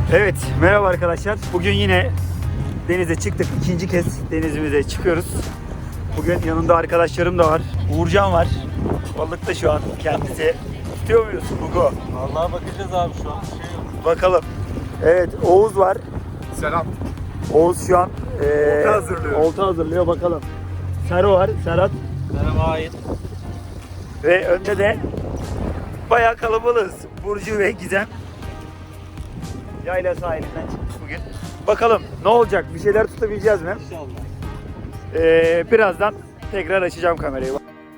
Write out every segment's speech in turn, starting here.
Evet, merhaba arkadaşlar. Bugün yine denize çıktık. İkinci kez denizimize çıkıyoruz. Bugün yanımda arkadaşlarım da var. Uğurcan var. Balıkta şu an kendisi. Tutuyor muyuz Hugo? Vallahi bakacağız abi şu an. Bir şey yok. Bakalım. Evet, Oğuz var. Selam. Oğuz şu an Olta hazırlıyor. olta hazırlıyor. Bakalım. Sero var, Serhat. Merhaba Ait. Ve önde de bayağı kalabalığız. Burcu ve Gizem. Yayla sahilinden çıktık bugün. Bakalım ne olacak? Bir şeyler tutabileceğiz mi? İnşallah. Birazdan tekrar açacağım kamerayı.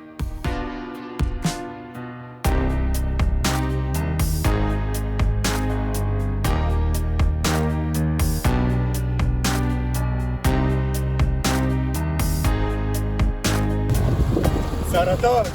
Serhat'a bak.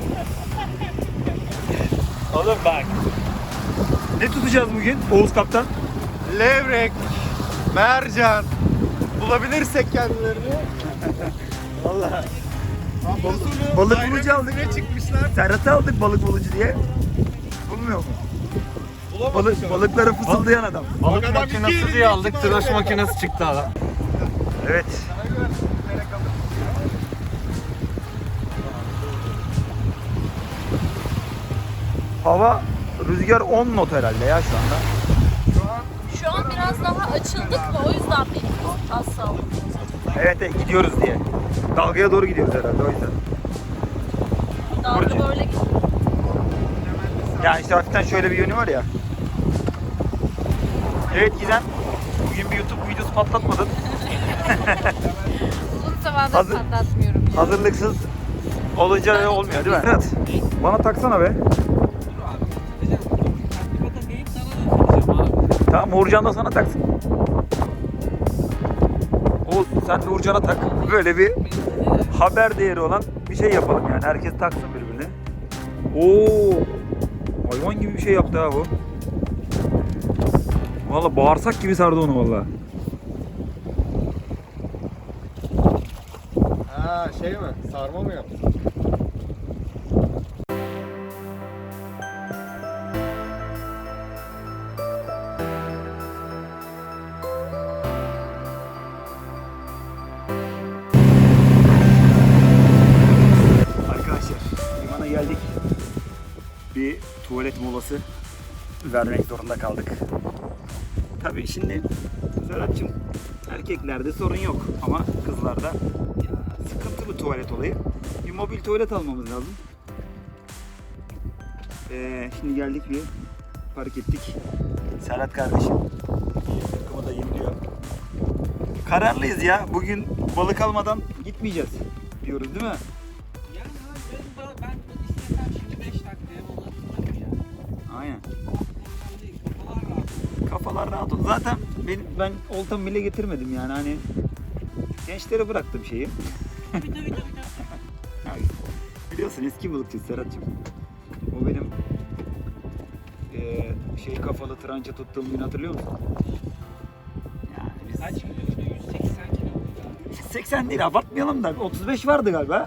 Oğlum bak. Ne tutacağız bugün Oğuz Kaptan? Levrek, mercan. Bulabilirsek kendilerini. Vallahi. Hafta balık bayram bulucu aldık. izine çıkmışlar. Serhat'ı aldık balık bulucu diye. Bulmuyor mu? Balıkları fısıldayan adam. Balık makinesi diye aldık. Tıraş makinesi çıktı adam. Evet. Hava rüzgar 10 knot herhalde ya şu anda. Şu an biraz daha açıldık mı? O yüzden benim az saldım. Evet gidiyoruz diye. Dalgaya doğru gidiyoruz herhalde o yüzden. Dalga böyle gidiyor. Yani işte hafiften şöyle bir yönü var ya. Evet Gizem. Bugün bir YouTube videosu patlatmadın. Uzun zamandır Hazır- patlatmıyorum. Hazırlıksız olunca öyle olmuyor değil mi? Evet. Bana taksana be. Tamam Uğurcan da sana taksın. Oğuz sen de Uğurcan'a tak. Böyle bir haber değeri olan bir şey yapalım yani. Herkes taksın birbirine. Oo, hayvan gibi bir şey yaptı ha bu. Valla bağırsak gibi sardı onu valla. Ha şey mi? Sarma mı yaptın? Arkadaşlar limana geldik. Bir tuvalet molası vermek zorunda kaldık. Tabii şimdi Serhat'cığım erkeklerde sorun yok ama kızlarda sıkıntılı tuvalet olayı. Bir mobil tuvalet almamız lazım. Şimdi geldik bir park ettik. Serhat kardeşim takımı da yemliyor. Kararlıyız ya. Bugün balık almadan gitmeyeceğiz diyoruz değil mi? Yani ben istesem şimdi 5 dakikaya balık ya. Aynen. Kafalar rahat. Kafalar rahat oldu. Zaten ben oltamı bile getirmedim yani hani gençlere bıraktım şeyi. Tabii. Yani biliyorsun eski balıkçı Serhat'cığım. O benim şey kafalı tranca tuttuğum gün hatırlıyor musun? Yani biz Kaç kiloydu? 180 kilo muydu abi? 80 değil abartmayalım da 35 vardı galiba.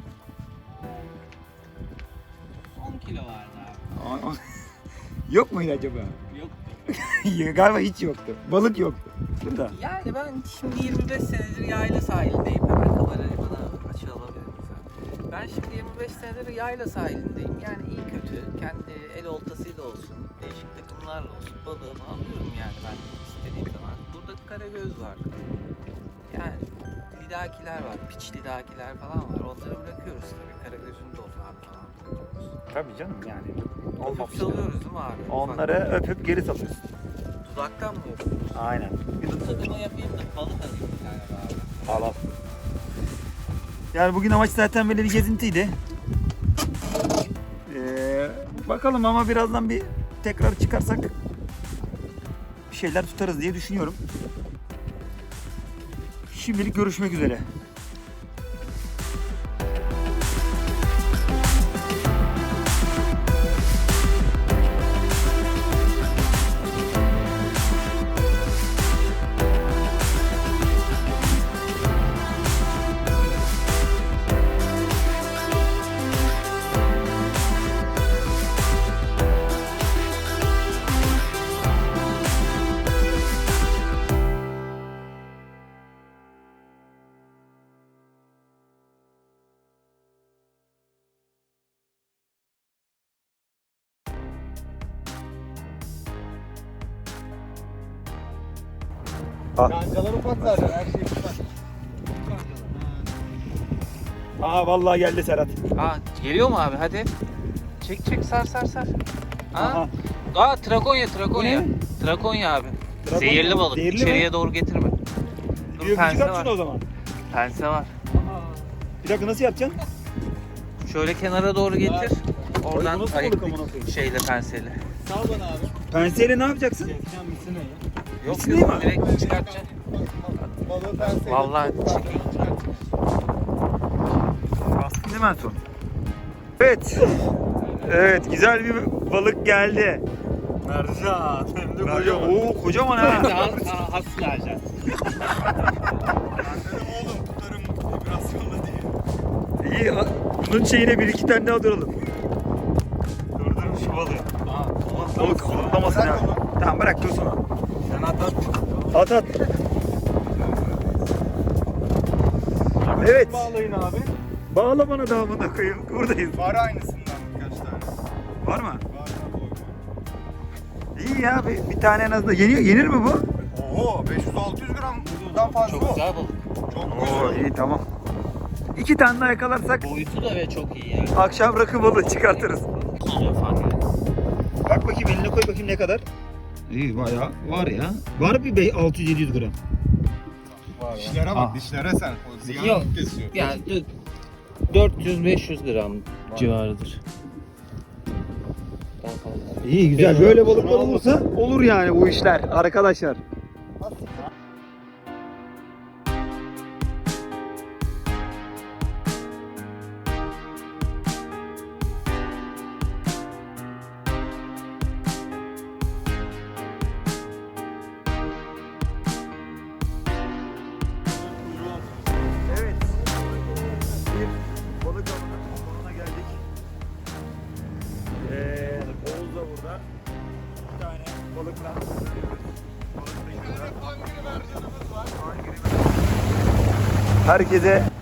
10 kilo vardı abi. Yok muydu acaba? Yok. Galiba hiç yoktu. Balık yoktu. Burada. Yani ben şimdi 25 senedir yayla sahilindeyim. Hemen kamerayı bana açı alabilir misin? Ben şimdi 25 senedir yayla sahilindeyim. Yani iyi kötü kendi el oltasıyla olsun, değişik takımlarla olsun balığımı alıyorum yani ben istediğim zaman. Burada karagöz var. Yani lidakiler var, piç lidakiler falan var. Onları bırakıyoruz tabii. Karagözün de o falan buluyoruz. Tabii canım yani. Öpüp Olmamış. salıyoruz değil mi abi? Onları öpüp geri satıyorsun. Dudaktan mı yapıyoruz? Aynen. Bir tadıma yapayım da balık alayım bir tane abi. Al al. Yani bugün amaç zaten böyle bir gezintiydi. Bakalım ama birazdan bir tekrar çıkarsak bir şeyler tutarız diye düşünüyorum. Şimdilik görüşmek üzere. Kancalar ufak zaten, her şey ufak. Aa vallahi geldi Serhat. Aa geliyor mu abi hadi. Çek çek sar sar sar. Aha. Aa trakonya trakonya. Bu ne? Trakonya abi. Trakonya Zehirli mı? balık. Zehirli İçeriye mi? doğru getirme. Dur Bir pense çıkart şunu o var. zaman. Pense var. Bir dakika nasıl yapacaksın? Şöyle kenara doğru getir. Oradan bu nasıl ayık balık amına koyayım? şeyle penseyle. Sağ bana abi. Penseyle ne yapacaksın? Sen misin ya? Yok Misine yok mi? direkt çıkartacaksın. Balığı ben sevdim. Vallahi çekeyim. Bastın değil mi en son? Evet. Evet güzel bir balık geldi. Mercan. Hem de Mercan. Oo kocaman ha. Has mercan. Ben dedim oğlum tutarım vibrasyonla diye. İyi. Bunun şeyine bir iki tane daha duralım. Durdurun şu balığı. Balık zıplamasın ya. Tamam bırak dursun o. Sen at. At at. Evet. Bağlayın abi. Bağla bana da amına koyayım. Buradayız. Var aynısından birkaç tane. Var mı? Var var boy. İyi ya bir tane en azından. Yenir mi bu? Oho 500-600 gramdan fazla Çok o. güzel balık. Çok Oo güzel. iyi tamam. İki tane daha yakalarsak Boyutu da ve çok iyi yani. akşam rakı balığı çıkartırız. Tutuyor fark ediyor. Bak bakayım eline koy bakayım ne kadar. İyi bayağı var ya. Var bir 600-700 gram. Dişlere bak dişlere sen. O ziyan Yok. kesiyor. Yani 400-500 gram civarıdır. Daha fazla. İyi güzel. Böyle balıklar olursa olur yani bu işler arkadaşlar. Evet. Bir balık avının sonuna geldik. Oğuz da burada. Bir tane balıkla Herkese